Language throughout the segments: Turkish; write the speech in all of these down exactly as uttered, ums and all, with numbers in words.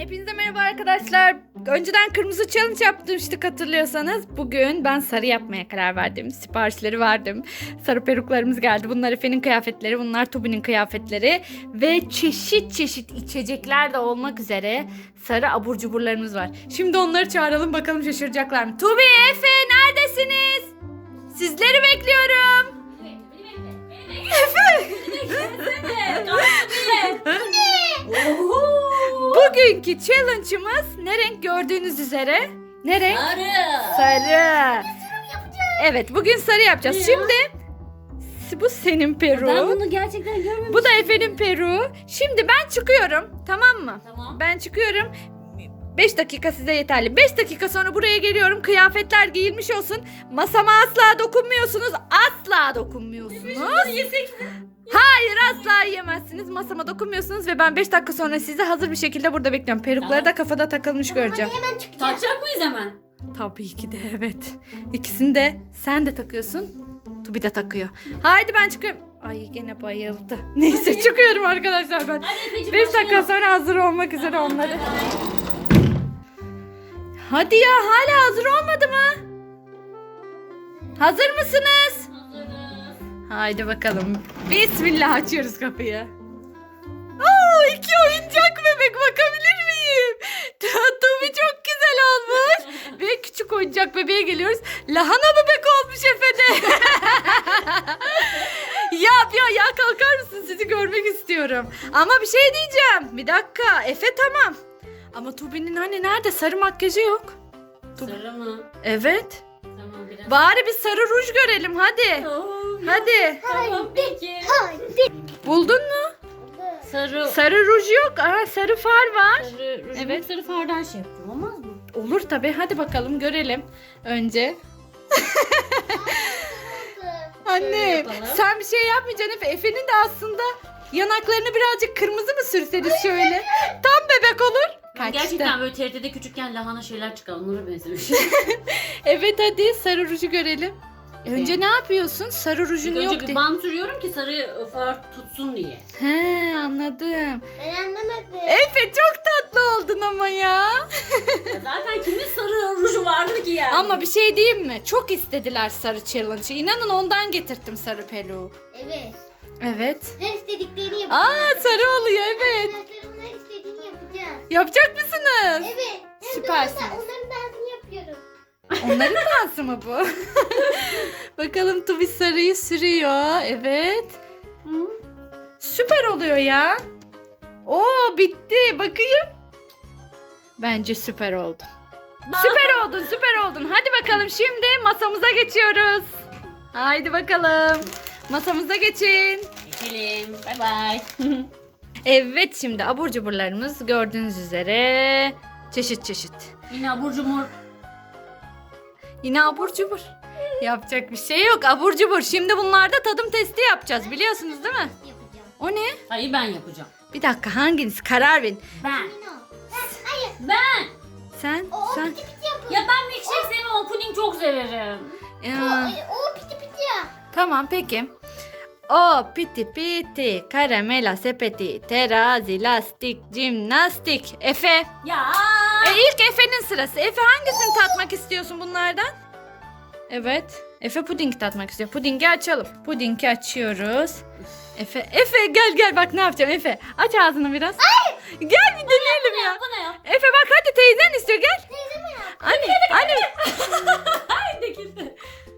Hepinize merhaba arkadaşlar. Önceden kırmızı challenge yapmıştık hatırlıyorsanız. Bugün ben sarı yapmaya karar verdim. Siparişleri verdim. Sarı peruklarımız geldi. Bunlar Efe'nin kıyafetleri, bunlar Tobi'nin kıyafetleri. Ve çeşit çeşit içecekler de olmak üzere sarı abur cuburlarımız var. Şimdi onları çağıralım bakalım şaşıracaklar mı? Tobi, Efe neredesiniz? Sizleri bekliyorum. Efe! Bugünkü challenge'ımız ne renk gördüğünüz üzere? Ne renk? Sarı. Sarı. Evet, bugün sarı yapacağız. Ya. Şimdi bu senin Ben peru. bunu gerçekten görmemiştim. Bu da Efe'nin peru. Şimdi ben çıkıyorum, tamam mı? Tamam. Ben çıkıyorum. beş dakika size yeterli. beş dakika sonra buraya geliyorum. Kıyafetler giyilmiş olsun. Masama asla dokunmuyorsunuz. Asla dokunmuyorsunuz. Yesek mi? Hayır, asla yiyemezsiniz. Masama dokunmuyorsunuz ve ben beş dakika sonra sizi hazır bir şekilde burada bekliyorum. Perukları Tamam. da kafada takılmış göreceğim. Takacak mıyız hemen? Tabii ki de evet. İkisini de sen de takıyorsun. Tubi de takıyor. Haydi ben çıkıyorum. Ay gene bayıldı. Neyse çıkıyorum arkadaşlar ben. Hadi Efe'cim beş dakika başlayalım. sonra hazır olmak üzere Tamam, onları. bay bay. Hadi ya, hala hazır olmadı mı? Hazır mısınız? Hazırız. Haydi bakalım. Bismillah, açıyoruz kapıyı. Aa, iki oyuncak bebek, bakabilir miyim? Tubi çok güzel olmuş. Ve küçük oyuncak bebeğe geliyoruz. Lahana bebek olmuş Efe'de. Ya ya ya kalkar mısın? Sizi görmek istiyorum. Ama bir şey diyeceğim. Bir dakika. Efe tamam. Ama Tubi'nin hani nerede? Sarı makyajı yok. Sarı mı? Evet. Tamam biraz. Bari bir sarı ruj görelim hadi. Oo, Hadi. Tamam peki. Buldun mu? Sarı. Sarı ruj yok. Aa, sarı far var. Sarı. Evet. Evet. Sarı fardan şey yaptım. Olmaz mı? Olur tabii. Hadi bakalım görelim. Önce. Şöyle Anne yapalım. sen bir şey yapmayacaksın Efe. Efe'nin de aslında yanaklarını birazcık kırmızı mı sürseniz şöyle. Tam bebek olur. Kaçtı. Gerçekten böyle T R T'de küçükken lahana şeyler çıkar. Onlara benzemiş. Evet hadi sarı ruju görelim. Önce Evet. ne yapıyorsun? Sarı rujun İlk yok önce bir diye. bant sürüyorum ki sarı far tutsun diye. He, anladım. Ben anlamadım. Efe çok tatlı oldun ama ya. Ya zaten kimin sarı ruju vardır ki yani? Ama bir şey diyeyim mi? Çok istediler sarı challenge'ı. İnanın ondan getirttim sarı peluğu. Evet. Evet. Her istediklerini yapacağım. Aa, sarı oluyor evet. Arkadaşlarımın her istediğini yapacağım. Yapacak mısınız? Evet. Hem Süpersiniz. de onların, onların dansını yapıyorum. Onların dansı mı bu? Bakalım Tubi sarıyı sürüyor. Evet. Hı? Süper oluyor ya. Oo, bitti. Bakayım. Bence süper oldun. Süper oldun, süper oldun. Hadi bakalım şimdi masamıza geçiyoruz. Haydi bakalım. Masamıza geçin. Geçelim. Bay bay. Evet, şimdi abur cuburlarımız gördüğünüz üzere çeşit çeşit. Yine abur cumur. Yine abur cubur. Yapacak bir şey yok, abur cubur. Şimdi bunlarda tadım testi yapacağız, biliyorsunuz değil mi? Yapacağım. O ne? Hayır ben yapacağım. Bir dakika, hanginiz? Karar verin. Ben. No. Ben, hayır. Ben. Sen, O, o sen. piti piti yapıyor. Ya ben milkshake sevmem ama puding çok severim. O, Ya, o piti piti ya. tamam peki. O piti piti, karamela sepeti, terazi, lastik, jimnastik. Efe. Ya. E, ilk Efe'nin sırası. Efe, hangisini tatmak istiyorsun bunlardan? Evet. Efe puding tatmak istiyor. Pudingi açalım. Pudingi açıyoruz. Efe, Efe gel gel bak ne yapacağım Efe. Aç ağzını biraz. Gel bir deneyelim ya. Bu ne ya? Efe bak hadi, teyzen istiyor, gel. Teyze mi yaptı? Anne, anne. Ay döküldü.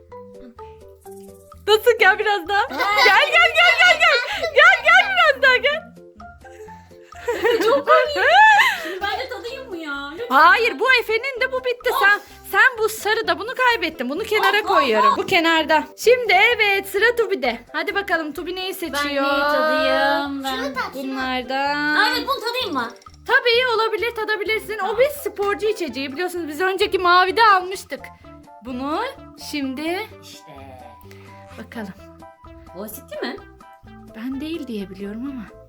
Nasıl, gel biraz daha. Gel gel gel gel gel. Gel gel biraz daha gel. Çok Şimdi ben de tadayım mı ya? Lütfen. Hayır, bu Efe'nin de, bu bitti. Sen sen bu sarıda bunu kaybettin. Bunu kenara Of, of, koyuyorum. Bu kenarda. Şimdi evet, sıra Tubi'de. Hadi bakalım Tubi neyi Ben seçiyor? neyi tadayım? Ben... Şunu tat şunu. Bunlardan. Aa, evet bunu tadayım mı? Tabii olabilir, tadabilirsin. O bir sporcu içeceği, biliyorsunuz biz önceki mavide almıştık. Bunu şimdi İşte. bakalım. Bu asitli mi? Ben değil diye biliyorum ama.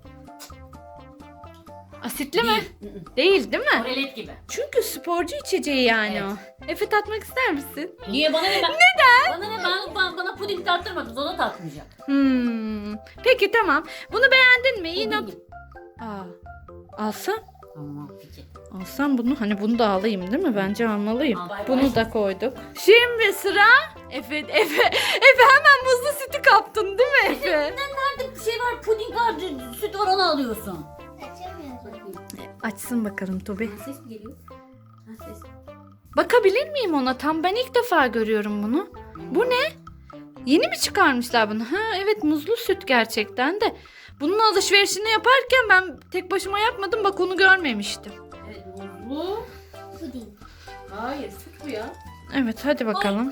Asitli mi? Değil. Hı hı. Değil değil mi? Orelet gibi. Çünkü sporcu içeceği yani Evet. o. Efe, tatmak ister misin? Niye bana ne? Ben... Neden? Bana ne? Ben, bana, bana puding tattırmadınız. O da tatmayacak. Hmm. Peki tamam. Bunu beğendin mi? İyi not. Puding. Aa. Alsam? Tamam peki. Alsam bunu, hani bunu da alayım değil mi? Bence almalıyım. Al, bay bay. Bunu da koyduk. Şimdi sıra Efe. Efe, Efe hemen muzlu sütü kaptın değil mi Efe? Nerede bir şey var, puding var, süt var, onu alıyorsun. Açamıyorum. Bakayım. Açsın bakalım Tobi. Ha, ses mi geliyor? Ha, ses. Bakabilir miyim ona? Tam ben ilk defa görüyorum bunu. Bu ne? Yeni mi çıkarmışlar bunu? Ha evet, muzlu süt gerçekten de. Bunun alışverişini yaparken ben tek başıma yapmadım, bak onu görmemiştim. Evet, muzlu. Puding. Hayır, süt bu ya. Evet hadi bakalım.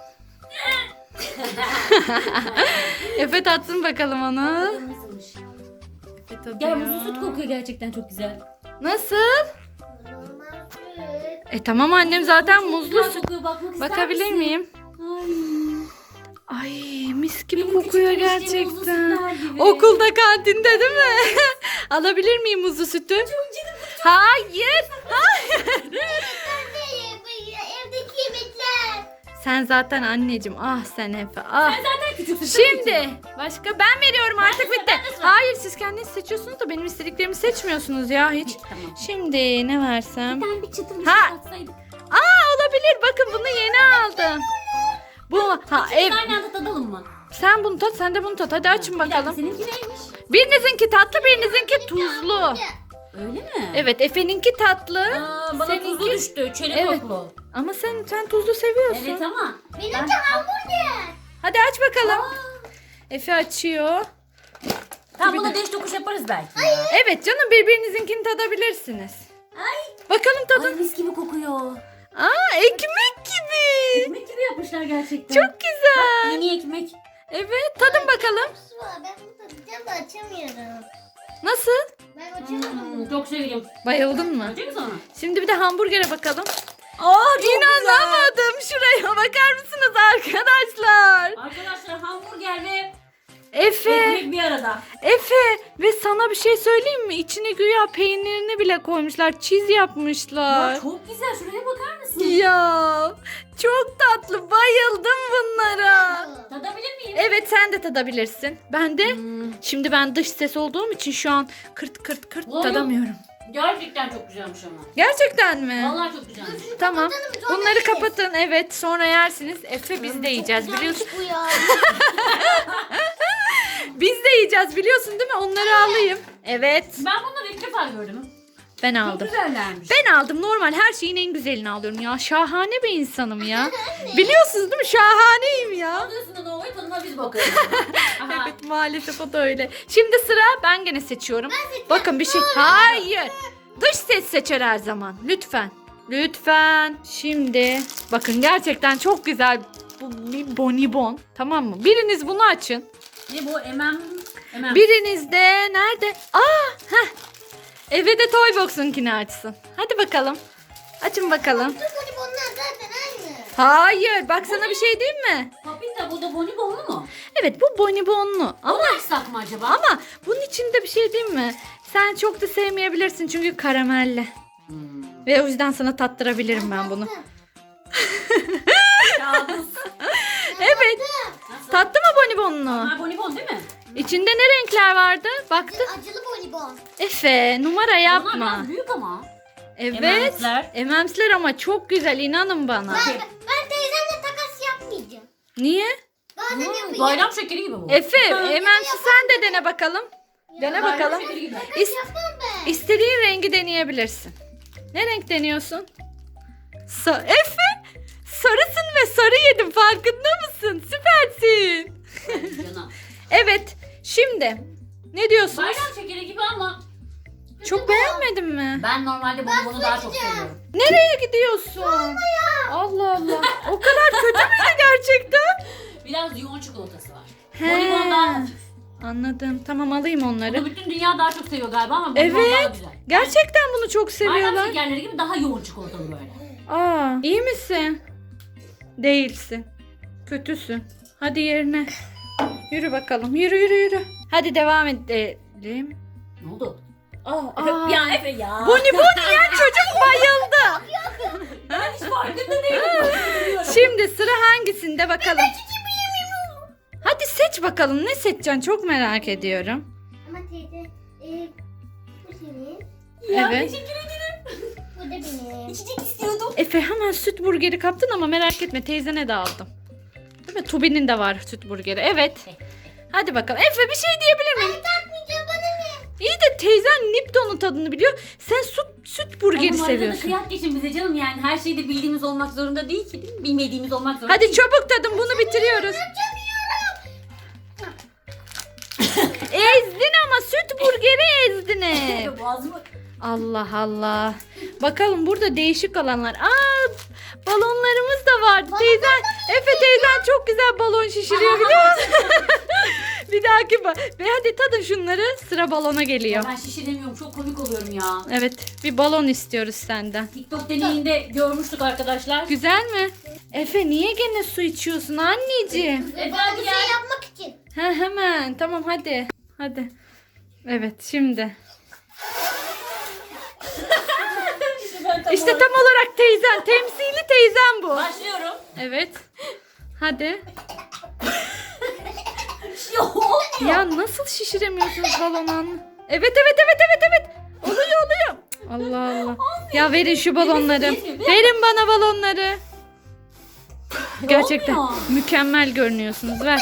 Efe tatsın bakalım onu. Bakalım nasılmış. Efe tadıyor. Gel, muzlu süt kokuyor gerçekten çok güzel. Nasıl? Normal süt. E tamam annem zaten Çok muzlu güzel süt. kokuyor, bakmak ister Bakabilir misin? miyim? Ay. Ay mis gibi Benim kokuyor küçükken içtiğim muzlu gerçekten. sütler gibi. Okulda kantinde değil mi? Alabilir miyim muzlu sütü? Çok canım. Hayır. Evdeki yemekler. Sen zaten anneciğim. Ah sen Efe. Ah. Sen zaten küçüksün. Şimdi başka ben veriyorum artık de sıra, bitti. ben de sıra. Hayır siz kendiniz seçiyorsunuz da benim istediklerimi seçmiyorsunuz ya hiç. Tamam. Şimdi ne versem? Ben bir çıtır bir Ha. şey katsaydık. Aa olabilir, bakın bunu yeni aldım. Bu ha ev. Biz aynı anda tadalım mı? Sen bunu tat, sen de bunu tat. Hadi açın Bir dakika, bakalım. seninki neymiş? Birinizinki tatlı, birinizinki tuzlu. Öyle mi? Evet Efe'ninki tatlı. Aa, bana Seninki- tuzlu düştü. Çelik Evet. koklu. Ama sen sen tuzlu seviyorsun. Evet ama. Benimki hamburger. Hadi aç bakalım. Aa, Efe açıyor. tamam, buna değiş tokuş yaparız belki. Evet canım, birbirinizinkini tadabilirsiniz. Ay. Bakalım tadın. Ay, mis gibi kokuyor. Aa ekmek gibi. Ekmek gibi yapmışlar gerçekten. Çok güzel. Mini ekmek. Evet tadın bakalım. Su var. Ben bunu tadacağım da açamıyorum. Nasıl? Ben açamıyorum. Hmm, çok seviyorum. Bayıldın mı? Acı mı sana? Şimdi bir de hamburgere bakalım. Aa, çok İnanamadım. Şuraya bakar mısınız arkadaşlar? Arkadaşlar, hamburger ve Efe, ekmek bir arada. Efe ve sana bir şey söyleyeyim mi? İçine güya peynirini bile koymuşlar. Çiz yapmışlar. Ya çok güzel. Şuraya bakar mısın? Ya çok tatlı, bayıldım bunlara. Tadabilir miyim? Evet sen de tadabilirsin. Ben de Hmm, şimdi ben dış ses olduğum için şu an kırt kırt kırt Oğlum. tadamıyorum. gerçekten çok güzelmiş ama. Gerçekten mi? Vallahi çok güzelmiş. Tamam. sonra Bunları yeriz. kapatın. Evet sonra yersiniz. Efe biz de yiyeceğiz biliyorsun. Bu ya. Biz de yiyeceğiz biliyorsun değil mi? Onları alayım. Evet. Ben bunları ilk defa gördüm. Ben Çok aldım. güzellermiş. Ben aldım. Normal her şeyin en güzelini alıyorum ya. Şahane bir insanım ya. Biliyorsunuz değil mi? Şahaneyim ya. Alıyorsun da Nova'yı, tadına biz bakalım. Aha. Evet maalesef o da öyle. Şimdi sıra ben gene seçiyorum. Bakın bir şey. Hayır. Dış ses seçer her zaman. Lütfen. Lütfen. Şimdi bakın gerçekten çok güzel. Bu bir bonibon. Tamam mı? Biriniz bunu açın. Ne bu? Emem. Emem. Biriniz de nerede? Aa, heh. Eve de Toybox'unkini açsın. Hadi bakalım. Açın bakalım. Bu bonibonlar zaten aynı. Hayır. Bak sana bir şey diyeyim mi? Papita, bu da bonibonlu mu? Evet bu bonibonlu. Ama Onu açsak mı acaba? ama bunun içinde bir şey diyeyim mi? Sen çok da sevmeyebilirsin çünkü karamelli. Hmm. Ve o yüzden sana tattırabilirim ben bunu. Kabus. Evet. Nasıl? Tattı mı bonibonlu? Ha, bonibon değil mi? İçinde ne renkler vardı? Baktın. Acılı bonibon. Efe numara Bunlar yapma. biraz büyük ama. Evet. Ememsler. Ememsler ama çok güzel inanın bana. Ben, ben teyzemle takas yapmayacağım. Niye? Bazen Hmm, yapacağım. bayram şekeri gibi bu. Efe Ha. ememsi sen de dene bakalım. Dene Bayram bakalım. şekeri gibi. İs- Yapmam ben. istediğin rengi deneyebilirsin. Ne renk deniyorsun? Sa- Efe sarısın ve sarı yedim farkında mısın? Süpersin. Ay, canım. Evet şimdi ne diyorsun? Bayram şekeri gibi ama Çok beğenmedin mi? ben normalde bonibonu daha çok seviyorum. Nereye gidiyorsun? Allah Allah. O kadar kötü müydü gerçekten? Biraz yoğun çikolatası var. He. Bonibon daha hafif. Anladım. Tamam alayım onları. Bunu bütün dünya daha çok seviyor galiba ama bonibon daha Evet. güzel. Gerçekten bunu çok Bayram seviyorlar. şekerleri gibi daha yoğun çikolatalı böyle. Aa, iyi misin? Değilsin. Kötüsün. Hadi yerine. Yürü bakalım. Yürü yürü yürü. Hadi devam edelim. Ne oldu? Aa, Aa. Efe, ya Efe ya. Bonibon yiyen çocuk bayıldı. Ben hiç farkında değilim. Şimdi sıra hangisinde bakalım. Hadi seç bakalım. Ne seçeceksin? Çok merak ediyorum. Ama teyze e, bu senin. Ya Evet. teşekkür beni. İçecek istiyordum. Efe hemen süt burgeri kaptın ama merak etme teyzene de aldım. Değil mi? Tubi'nin de var süt burgeri. Evet. Hadi bakalım. Efe bir şey diyebilir miyim? Takmayacağım bana ne? İyi de teyzen Lipton'un tadını biliyor. Sen süt, süt burgeri Ama arada da seviyorsun. kıyak geçin bize canım yani her şeyde bildiğimiz olmak zorunda değil ki değil mi? Bilmediğimiz olmak zorunda Hadi değil. çabuk tadın bunu bitiriyoruz. Ezdin ama süt burgeri ezdin hep. Boğazımı... Allah Allah. Bakalım burada değişik alanlar. Aa, balonlarımız da var. Teyzen, Efe teyzen çok güzel balon şişiriyor biliyor musun? Bir dahaki ba- Ve hadi tadın şunları. Sıra balona geliyor. Ben şişiremiyorum çok komik oluyorum ya. Evet, bir balon istiyoruz senden. TikTok deneyinde görmüştük arkadaşlar. Güzel mi? Efe niye gene su içiyorsun anneciğim? Efe Bana hadi bir gel. şey yapmak için. Ha hemen. Tamam hadi. Hadi. Evet şimdi. İşte tam olarak teyzen. Temsili teyzen bu. Başlıyorum. Evet. Hadi. Yok. Ya nasıl şişiremiyorsunuz balonu? Evet evet evet evet evet. Oluyor oluyor. Allah Allah. Ya verin şu balonları. Verin bana balonları. Gerçekten Olmuyor. mükemmel görünüyorsunuz. Ver.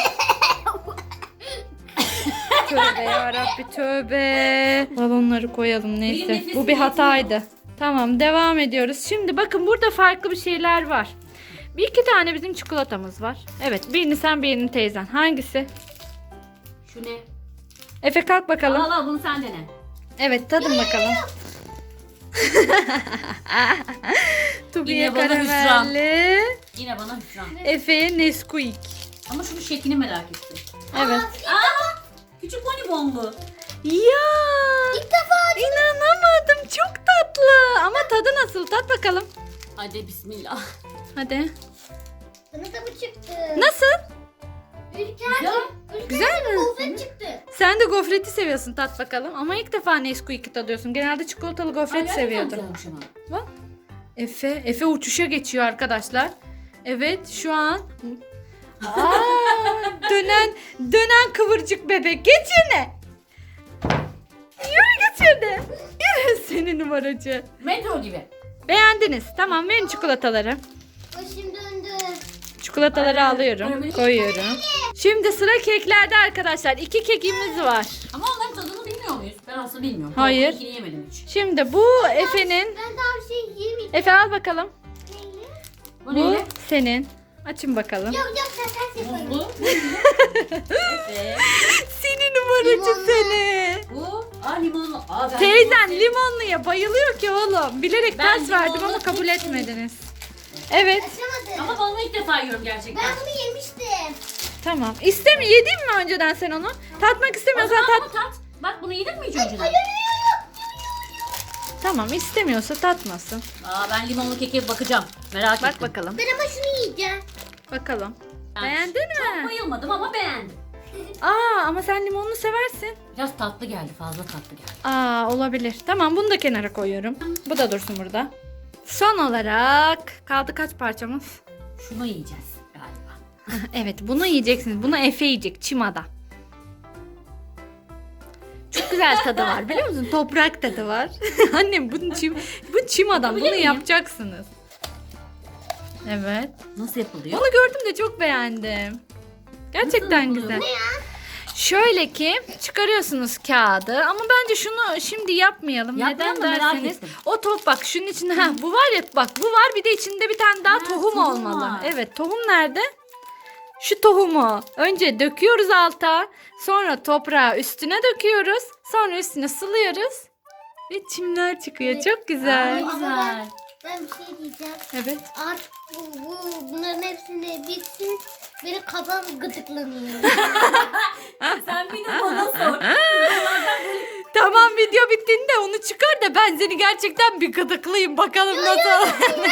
Tövbe yarabbi tövbe. Balonları koyalım Benim neyse. nefesim Bu bir hataydı. Tamam devam ediyoruz. Şimdi bakın burada farklı bir şeyler var. Bir iki tane bizim çikolatamız var. Evet birini sen birini teyzen. Hangisi? Şu ne? Efe kalk bakalım. Al al bunu sen dene. Evet tadın bakalım. Tubi'ye Yine bana karamelli. Yine bana hüsran. Efe'ye Nesquik. Ama şunun şeklini merak ettim. Evet. Aa! Küçük bonibonlu. Ya İlk defa inanamadım çok tatlı. Ama tadı nasıl? Tat bakalım. Hadi bismillah. Hadi. bana da bu çıktı. Nasıl? Ülker. Güzel. Güzel mi? Gofret çıktı. Sen de gofreti seviyorsun tat bakalım. Ama ilk defa Nesquik'i tadıyorsun. Genelde çikolatalı gofret seviyordun. Bak. Efe, Efe uçuşa geçiyor arkadaşlar. Evet şu an. Aa, dönen dönen kıvırcık bebek. Geç yerine. Yürü geç yerine. Yürü seni numaracı. Metro gibi. Beğendiniz. Tamam verin çikolataları. Başım döndü. Çikolataları Aynen. alıyorum. Karameli. Koyuyorum. Şimdi sıra keklerde arkadaşlar. İki kekimiz var. Ama onların tadını bilmiyor muyuz? Ben aslında bilmiyorum. Hayır. İkini yemedim hiç. Şimdi bu Efe'nin. Ben daha bir şey yemeyeceğim. Efe al bakalım. Neyle? Bu Bu neyle? senin. Açın bakalım. Yok yok sen ters yaparım. Muzlu. Evet. Seni numaracı Limonlu. seni. Bu. Aa limonlu. Aa, ben Teyzen limon limonluya bayılıyor ki oğlum. Bilerek Ben ters verdim limonlu ama kabul hiç etmediniz. Evet. Açamadım. Ama balonu ilk defa yiyorum gerçekten. Ben bunu yemiştim. Tamam. İstemi yedin mi önceden sen onu? Tatmak O istemiyorsan zaman tat. bunu tat. Bak bunu yedin mi hiç önceden? Tamam istemiyorsa tatmasın. Aa ben limonlu keke bakacağım. Merak Bak ettim. bakalım. Ben ama şunu yiyeceğim. Bakalım. Ben Beğendin Çok mi? bayılmadım ama beğendim. Aa ama sen limonlu seversin. Biraz tatlı geldi. Fazla tatlı geldi. Aa olabilir. Tamam bunu da kenara koyuyorum. Bu da dursun burada. Son olarak kaldı kaç parçamız? Şunu yiyeceğiz galiba. Evet bunu yiyeceksiniz. Bunu Efe yiyecek çimada. Çok güzel tadı var biliyor musun? Toprak tadı var. Annem bunun çim, bu çimadan Yapabilir bunu miyim? yapacaksınız. Evet. Nasıl yapılıyor? Onu gördüm de çok beğendim. Gerçekten Nasıl güzel. yapılıyor? Şöyle ki çıkarıyorsunuz kağıdı ama bence şunu şimdi yapmayalım. Yapmayalım Neden da merak derseniz ettim. o top bak şunun içinde ha bu var ya bak bu var bir de içinde bir tane daha Ha, tohum, tohum olmalı. var. Evet tohum nerede? Şu tohumu önce döküyoruz alta sonra toprağı üstüne döküyoruz sonra üstüne sılıyoruz ve çimler çıkıyor. Evet. Çok güzel. Aa, güzel. Ben bir şey diyeceğim. Evet. Artık bu, bu bunların hepsini bitsin. Benim kafam gıdıklanıyor. Sen bir de bana sor. Tamam video bittiğinde onu çıkar da ben seni gerçekten bir gıdıklayayım bakalım nasıl.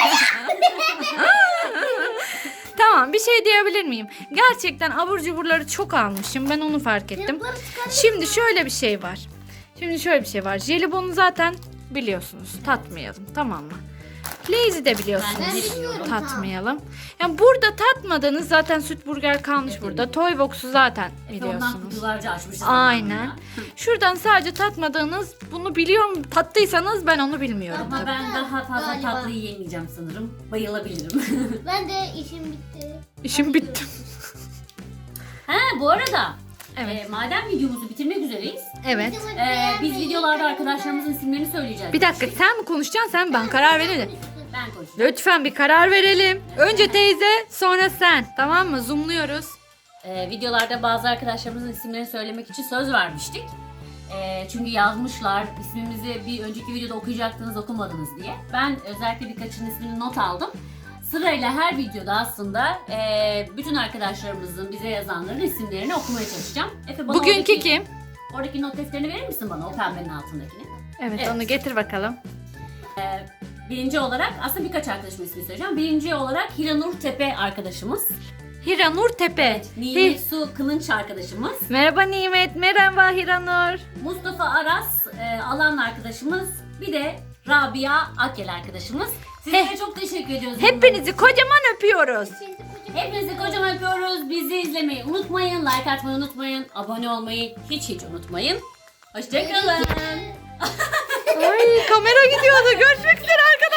Tamam bir şey diyebilir miyim? Gerçekten abur cuburları çok almışım. Ben onu fark ettim. Yanıkları çıkarayım. Şimdi şöyle bir şey var. Şimdi şöyle bir şey var. Jelibonu zaten biliyorsunuz. Tatmayalım tamam mı? Lay's'i de biliyorsunuz. Ben Ben de bilmiyorum. Tatmayalım. Yani burada tatmadığınız zaten süt burger kalmış burada. Toy Box'u zaten Efe ondan biliyorsunuz. kutularca açmışız. Aynen. Şuradan sadece tatmadığınız, bunu biliyorum, tattıysanız ben onu bilmiyorum Ama tabii. ben daha fazla Galiba. tatlı yiyemeyeceğim sanırım. Bayılabilirim. Ben de işim bitti. İşim bitti. Ha bu arada Evet. e, madem videomuzu bitirmek üzereyiz. Evet. e, biz videolarda arkadaşlarımızın isimlerini söyleyeceğiz. Bir dakika, sen mi konuşacaksın, sen mi? Ben karar verelim. Ben konuşayım. Lütfen bir karar verelim. Önce teyze, sonra sen. Tamam mı? Zoomluyoruz. E, videolarda bazı arkadaşlarımızın isimlerini söylemek için söz vermiştik. E, çünkü yazmışlar ismimizi bir önceki videoda okuyacaktınız okumadınız diye. Ben özellikle birkaçının ismini not aldım. Sırayla her videoda aslında e, bütün arkadaşlarımızın bize yazanların isimlerini okumaya çalışacağım. Efe bana Bugünkü oradaki, kim? oradakini not defterini verir misin bana o pembenin altındakini? Evet, Evet. onu getir bakalım. E, birinci olarak aslında birkaç arkadaşımın ismini söyleyeceğim. Birinci olarak Hiranur Tepe arkadaşımız. Hiranur Tepe. Nimet Hi- Su Kılınç arkadaşımız. Merhaba Nimet, merhaba Hiranur. Mustafa Aras e, Alan arkadaşımız. Bir de Rabia Akel arkadaşımız. Sizlere He- çok teşekkür ediyoruz. Hepinizi kocaman öpüyoruz. Hepinizi kocaman öpüyoruz. Bizi izlemeyi unutmayın. Like atmayı unutmayın. Abone olmayı hiç hiç unutmayın. Hoşçakalın. Ay, kamera gidiyordu. Görüşmek üzere arkadaşlar.